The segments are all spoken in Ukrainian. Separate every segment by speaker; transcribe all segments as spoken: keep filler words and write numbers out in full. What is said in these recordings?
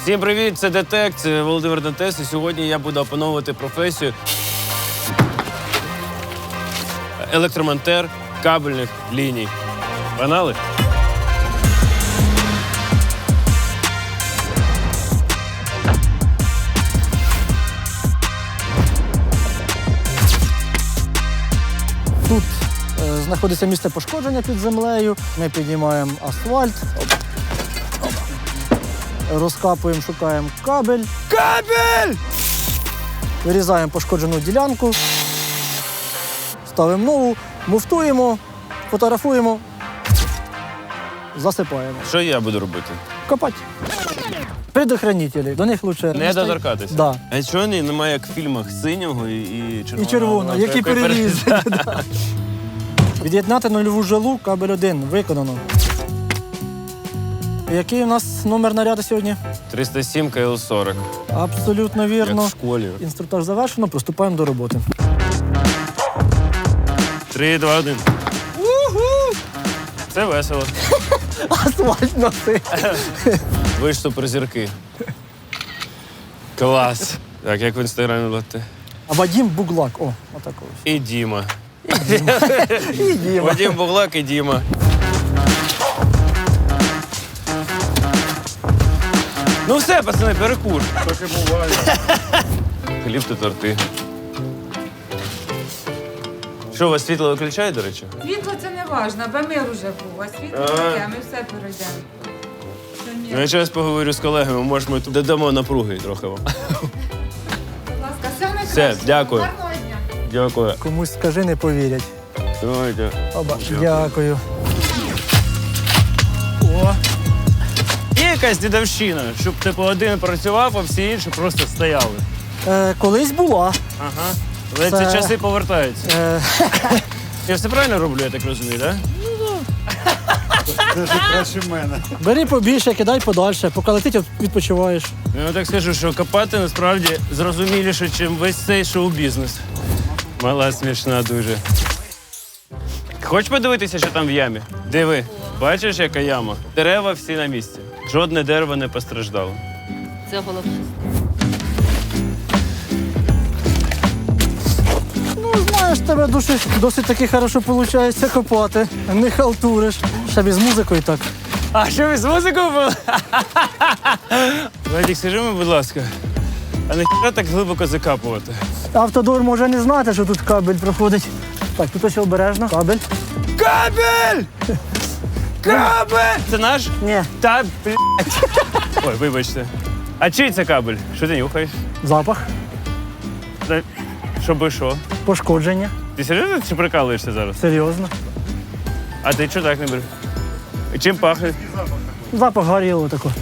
Speaker 1: Всім привіт, це Детект, це Володимир Дантес, і сьогодні я буду опановувати професію електромонтер кабельних ліній. Погнали?
Speaker 2: Тут е, знаходиться місце пошкодження під землею. Ми піднімаємо асфальт, розкапуємо, шукаємо кабель,
Speaker 1: Кабель!
Speaker 2: вирізаємо пошкоджену ділянку, ставимо нову, муфтуємо, фотографуємо, засипаємо.
Speaker 1: Що я буду робити?
Speaker 2: Копати. Предохранителі. До них краще
Speaker 1: Не доторкатися?
Speaker 2: Да.
Speaker 1: А чого немає, як в фільмах, синього і, і червоного?
Speaker 2: І червоно, які переріз. Від'єднати нульову жилу, кабель один, виконано. Який у нас номер наряду сьогодні?
Speaker 1: триста сім ка ел сорок.
Speaker 2: Абсолютно
Speaker 1: Як
Speaker 2: вірно.
Speaker 1: в школі.
Speaker 2: Інструктаж завершено, приступаємо до роботи.
Speaker 1: Три, два, один. Це весело.
Speaker 2: Асфальт носи.
Speaker 1: Ви ж суперзірки. Клас. Так, як в інстаграмі будете?
Speaker 2: А Вадим Буглак. О, отакого.
Speaker 1: І Діма.
Speaker 2: І Діма.
Speaker 1: Вадим Буглак і Діма. Ну все, пацани, перекур. Так і буває. Хліб та торти. Що, у вас світло виключають, до речі?
Speaker 3: Світло це не важливо, бо мир уже був, а світло таке, ми все перейдемо. Це
Speaker 1: Ну,
Speaker 3: мир.
Speaker 1: я зараз поговорю з колегами, може ми тут додамо напруги трохи вам.
Speaker 3: Будь ласка, все найкраще.
Speaker 1: Все, дякую.
Speaker 3: Гарного дня.
Speaker 1: Дякую.
Speaker 2: Комусь скажи, не повірять.
Speaker 1: Давайте.
Speaker 2: Оба. Дякую. О,
Speaker 1: Є якась дідовщина, щоб типу один працював, а всі інші просто стояли.
Speaker 2: е, колись була.
Speaker 1: Ага. Але
Speaker 2: Це-
Speaker 1: ці часи повертаються.
Speaker 2: Е,
Speaker 1: Я все правильно роблю, я так розумію, так?
Speaker 2: бери побільше, кидай подальше, поки летить, от відпочиваєш.
Speaker 1: Ну, я так скажу, що копати насправді зрозуміліше, ніж весь цей шоу-бізнес. Мала смішна дуже. Хочеш подивитися, що там в ямі? Диви, бачиш, яка яма? Дерева всі на місці. Жодне дерево не постраждало.
Speaker 4: Це головне.
Speaker 2: Ну, знаєш, тебе досить, досить таки хорошо виходить копати. Не халтуриш. Ще без музикою так.
Speaker 1: А що ви з музикою були? Вадик, скажи мені, будь ласка, а не хіба так глибоко закапувати?
Speaker 2: Автодор може не знати, що тут кабель проходить. Так, тут ось обережно. Кабель.
Speaker 1: Кабель! Кабель! Це наш?
Speaker 2: Ні,
Speaker 1: Та, блядь. Ой, вибачте. А чий це кабель? Що ти нюхаєш?
Speaker 2: запах,
Speaker 1: Та, Щоби що?
Speaker 2: пошкодження.
Speaker 1: Ти серйозно чи прикалуєшся зараз?
Speaker 2: Серйозно.
Speaker 1: А ти чого так не береш? І чим пахне?
Speaker 2: Запах горілого такого.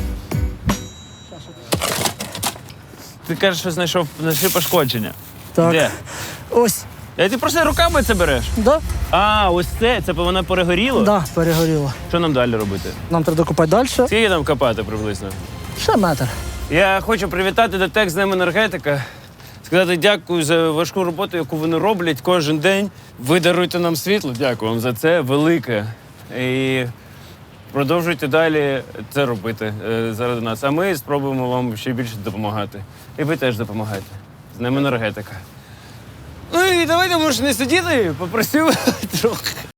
Speaker 1: Ти кажеш, що знайшов знайшли пошкодження.
Speaker 2: Так.
Speaker 1: Де?
Speaker 2: Ось.
Speaker 1: А ти просто руками це береш?
Speaker 2: Да?
Speaker 1: А, ось це, це воно перегоріло?
Speaker 2: Да, перегоріло.
Speaker 1: Що нам далі робити?
Speaker 2: Нам треба докопати далі.
Speaker 1: Скільки нам копати приблизно?
Speaker 2: Ще метр.
Speaker 1: Я хочу привітати Детект з Днем енергетика. Сказати дякую за важку роботу, яку вони роблять кожен день. Ви даруєте нам світло. Дякую вам за це велике. І продовжуйте далі це робити е, заради нас. А ми спробуємо вам ще більше допомагати. І ви теж допомагаєте. З Днем енергетика. Ну і давайте, може, не сидіти, попросив трохи.